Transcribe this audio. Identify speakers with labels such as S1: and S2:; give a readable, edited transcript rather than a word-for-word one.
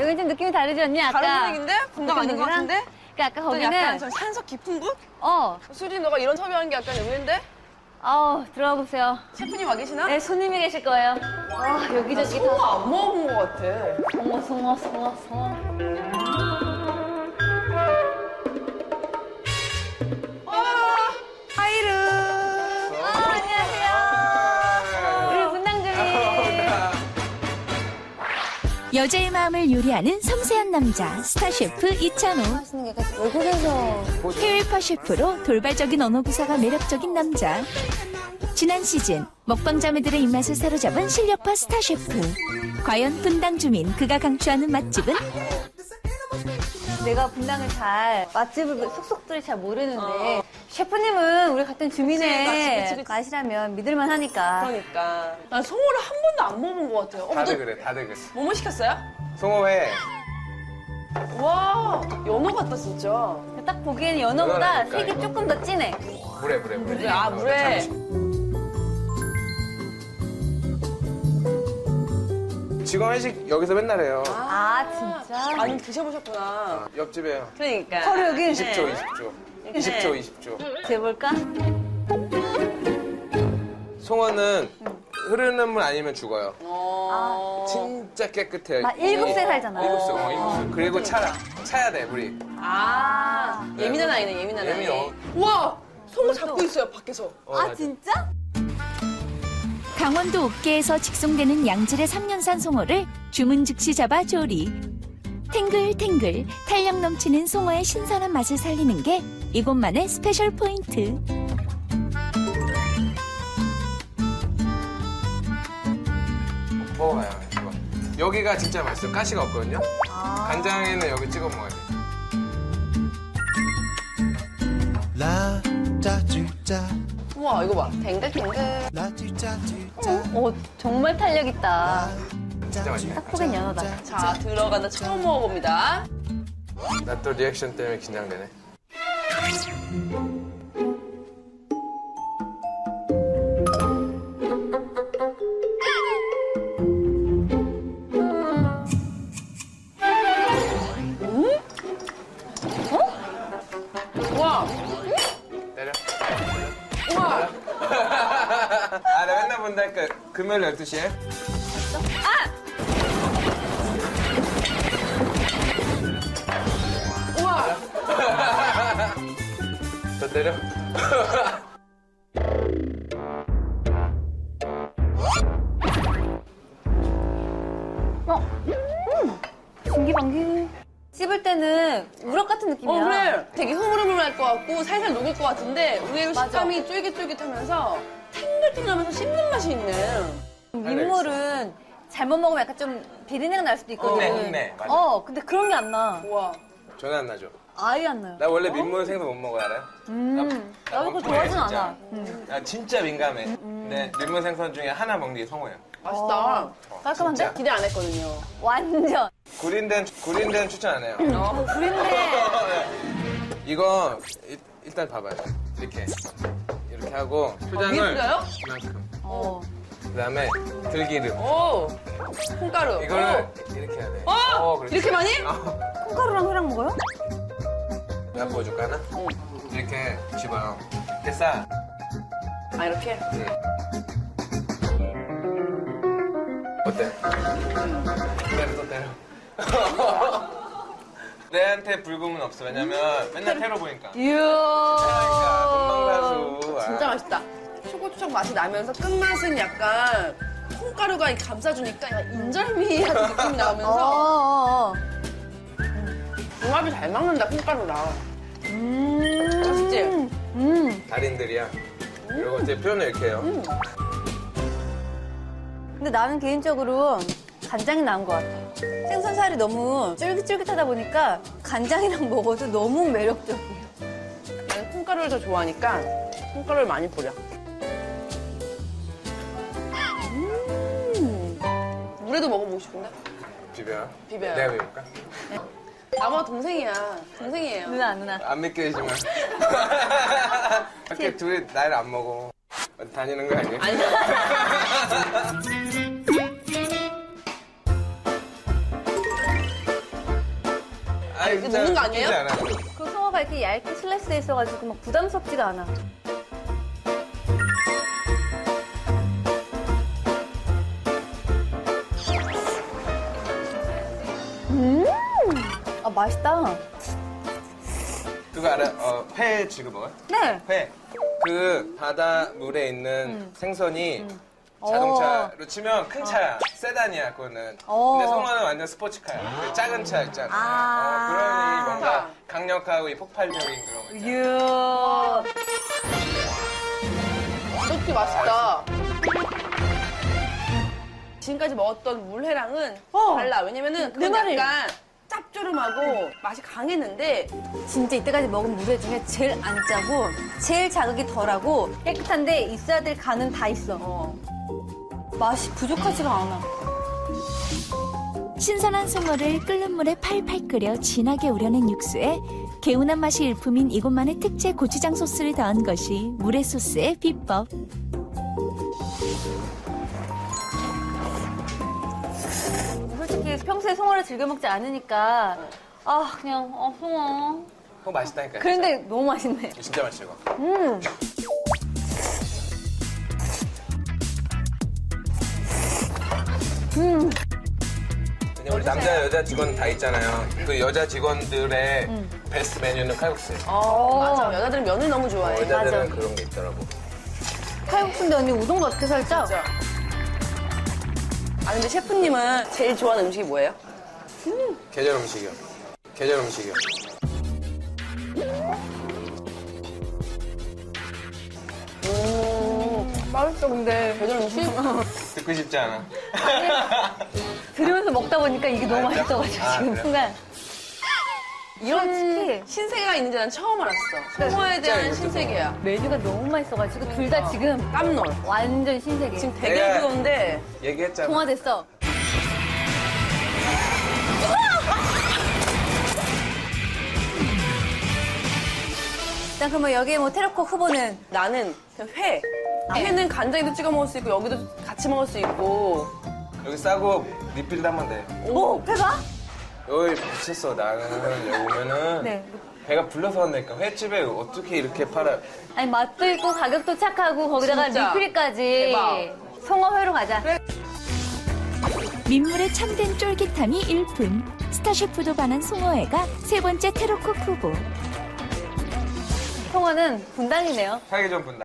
S1: 여기 좀 느낌이 다르지 않니, 아까?
S2: 다른 분위기인데? 분당 아닌 것 같은데?
S1: 그러니까 아까 거기는.
S2: 약간 좀 산속 깊은 곳?
S1: 어.
S2: 수진, 너가 이런 섭외하는 게 약간 의외인데?
S1: 들어가 보세요.
S2: 셰프님 와 계시나?
S1: 네, 손님이 계실 거예요. 여기저기
S2: 송어
S1: 다.
S2: 안 먹어본 것 같아.
S1: 송어.
S2: 하이르.
S1: 안녕하세요. 우리 분당 주민.
S3: 여자의 마음을 요리하는 섬세한 남자 스타 셰프 이찬호.
S1: 하시는 게 약간 외국에서.
S3: 해외파 셰프로 돌발적인 언어 구사가 매력적인 남자. 지난 시즌 먹방 자매들의 입맛을 사로잡은 실력파 스타 셰프. 과연 분당 주민 그가 강추하는 맛집은?
S1: 내가 분당을 맛집을 속속들이 잘 모르는데 셰프님은 우리 같은 주민의
S2: 그치.
S1: 맛이라면 믿을만 하니까.
S2: 그러니까. 난 송어를 한 번도 안 먹어본 것 같아요.
S4: 다들 그래, 다들 그래.
S2: 뭐뭐 시켰어요?
S4: 송어회.
S2: 와, 연어 같다, 진짜.
S1: 딱 보기에는 연어보다
S4: 연어라니까,
S1: 색이
S4: 이거.
S1: 조금 더 진해.
S4: 물에.
S2: 물에.
S4: 직원 회식 여기서 맨날 해요.
S1: 진짜?
S2: 아니, 드셔보셨구나.
S4: 옆집에요.
S2: 그러니까.
S1: 바로 여기?
S4: 20조. 20조.
S1: 재볼까?
S4: 송어는 흐르는 물 아니면 죽어요. 진짜 깨끗해요.
S1: 막 7세 살잖아요.
S4: 7세. 그리고 차야 돼, 물이.
S2: 예민한 아이네, 예민한 아이.
S4: 예민해.
S2: 우와! 송어 잡고 있어요, 밖에서.
S4: 맞아.
S1: 진짜?
S3: 강원도 옥계에서 직송되는 양질의 3년산 송어를 주문 즉시 잡아 조리. 탱글탱글 탄력 넘치는 송어의 신선한 맛을 살리는 게 이곳만의 스페셜 포인트.
S4: 먹어봐요, 이거. 여기가 진짜 맛있어요. 가시가 없거든요. 간장에는 여기 찍어 먹어야 돼.
S5: La da du da,
S2: 우와, 이거 봐. 탱글탱글.
S5: la du da du da,
S1: 정말 탄력 있다.
S4: 진짜 맛있네.
S1: 딱 보기엔 연어다.
S2: 자, 들어간다. 처음 먹어봅니다.
S4: 나 또 리액션 때문에 긴장되네.
S2: 우와!
S4: 때려.
S2: 우와!
S4: 나 맨날 본다니까. 금요일 12시에.
S2: 우와!
S4: 더 때려.
S1: 신기방기. 씹을 때는 우럭 같은 느낌이야.
S2: 그래. 되게 흐물흐물할 것 같고 살살 녹을 것 같은데 의외로
S1: 맞아.
S2: 식감이 쫄깃쫄깃하면서 탱글탱글하면서 씹는 맛이 있네.
S1: 민물은 잘못 먹으면 약간 좀 비린내가 날 수도 있거든.
S4: 흉내, 맞아.
S1: 근데 그런 게 안 나.
S2: 우와.
S4: 전혀 안 나죠.
S1: 아예 안 나요.
S4: 나 원래 민물 생선 못 먹어요, 알아요?
S1: 나도 그거
S4: 멍청해,
S1: 좋아하진
S4: 진짜.
S1: 않아.
S4: 나 진짜 민감해. 근데 민물 생선 중에 하나 먹는 게 송어예요.
S2: 맛있다.
S1: 깔끔한데?
S4: 진짜.
S2: 기대 안 했거든요.
S1: 완전.
S4: 구린된 추천 안 해요.
S1: 구린데.
S4: 이거 일단 봐봐요. 이렇게 하고 초장을
S2: 뿌려요?
S4: 이만큼.
S1: 어.
S4: 그다음에 들기름.
S2: 오! 콩가루.
S4: 이거를 이렇게 해야 돼. 그렇지.
S2: 이렇게 많이?
S1: 콩가루랑 회랑 먹어요?
S4: 내가 보여줄까 하나? 이렇게 집어요. 이렇게 싸.
S2: 아, 이렇게?
S4: 어때? 때려 또 때려. 내한테 불금은 없어. 왜냐면 맨날 테러 보니까. 그러니까 금방사수.
S2: 진짜 맛있다. 초고추장 맛이 나면서 끝맛은 약간 콩가루가 이렇게 감싸주니까 약간 인절미 같은 느낌이 나면서 궁합이 잘 맞는다, 콩가루랑. 맛있지?
S4: 달인들이야. 그리고 제 표현을 이렇게 해요.
S1: 근데 나는 개인적으로 간장이 나은 것 같아. 생선살이 너무 쫄깃쫄깃하다 보니까 간장이랑 먹어도 너무 매력적이에요.
S2: 나는 콩가루를 더 좋아하니까 콩가루를 많이 뿌려. 물에도 먹어보고 싶은데?
S4: 비벼요?
S2: 비벼요.
S4: 내가 비울까?
S2: 나보다 동생이야. 동생이에요.
S1: 누나.
S4: 안 믿기지만. 이렇게 둘이 나이를 안 먹어. 어디 다니는 거 아니야?
S2: 아니.
S4: 아니,
S2: 이거 먹는 거 아니에요?
S4: 웃기지 않아.
S1: 그 송어가 이렇게 얇게 슬라이스 돼 있어가지고 막 부담스럽지가 않아. 아, 맛있다.
S4: 그거 알아? 회 지금 먹어요?
S1: 네.
S4: 회. 그 바다 물에 있는 생선이 자동차로 치면 큰 차야. 세단이야, 그거는. 근데 송어는 완전 스포츠카야. 그 작은 차 있잖아. 그러니 뭔가 강력하고 이 폭발적인 그런 거 있잖아.
S2: 이렇게 맛있다. 지금까지 먹었던 물회랑은 달라. 왜냐면은 그건
S1: 말이.
S2: 약간 짭조름하고 맛이 강했는데
S1: 진짜 이때까지 먹은 물회 중에 제일 안 짜고 제일 자극이 덜하고 깨끗한데 있어야 될 간은 다 있어. 맛이 부족하지가 않아.
S3: 신선한 송어를 끓는 물에 팔팔 끓여 진하게 우려낸 육수에 개운한 맛이 일품인 이곳만의 특제 고추장 소스를 더한 것이 물회 소스의 비법.
S1: 솔직히 평소에 송어를 즐겨 먹지 않으니까 그냥 송어.
S4: 그거 맛있다니까.
S1: 그런데 너무 맛있네.
S4: 진짜 맛있어, 이거. 왜냐면 우리 남자, 여자 직원 다 있잖아요. 그 여자 직원들의 베스트 메뉴는 칼국수예요.
S2: 맞아. 여자들은 면을 너무 좋아해.
S4: 여자들은
S1: 맞아.
S4: 그런 게 있더라고.
S1: 칼국수인데 언니 우동도 어떻게 살짝?
S2: 진짜. 아 근데 셰프님은 제일 좋아하는 음식이 뭐예요?
S4: 계절 음식이요. 계절 음식이요.
S2: 맛있어 근데 계절 음식?
S4: 듣고 싶지 않아.
S1: 들으면서 먹다 보니까 이게 너무
S4: 진짜?
S1: 맛있어가지고
S4: 아,
S1: 지금
S4: 그래?
S1: 순간.
S2: 이런
S1: 솔직히
S2: 신세계가 있는지 난 처음 알았어. 송어에 대한
S4: 이것도
S2: 신세계야.
S1: 메뉴가 너무 맛있어가지고 둘 다 지금
S2: 깜놀.
S1: 완전 신세계.
S2: 지금 되게
S4: 내가-
S2: 그건데
S4: 얘기했잖아.
S1: 통화됐어. 일단 그러면 여기 뭐 테러콕 후보는
S2: 나는 그냥 회. 회는 간장에도 찍어 먹을 수 있고 여기도 같이 먹을 수 있고.
S4: 여기 싸고 리필도 하면 돼.
S1: 오 회가?
S4: 여기 미쳤어. 나는 여기 오면은
S1: 네.
S4: 배가 불러서 간다니까. 횟집에 어떻게 이렇게 팔아.
S1: 아니 맛도 있고 가격도 착하고 거기다가
S2: 진짜.
S1: 리필까지.
S2: 대박.
S1: 송어회로 가자.
S3: 민물의 참된 쫄깃함이 일품. 스타셰프도 반한 송어회가 세 번째 테러콕 후보.
S1: 송어는 분당이네요.
S4: 사기 좀 분다.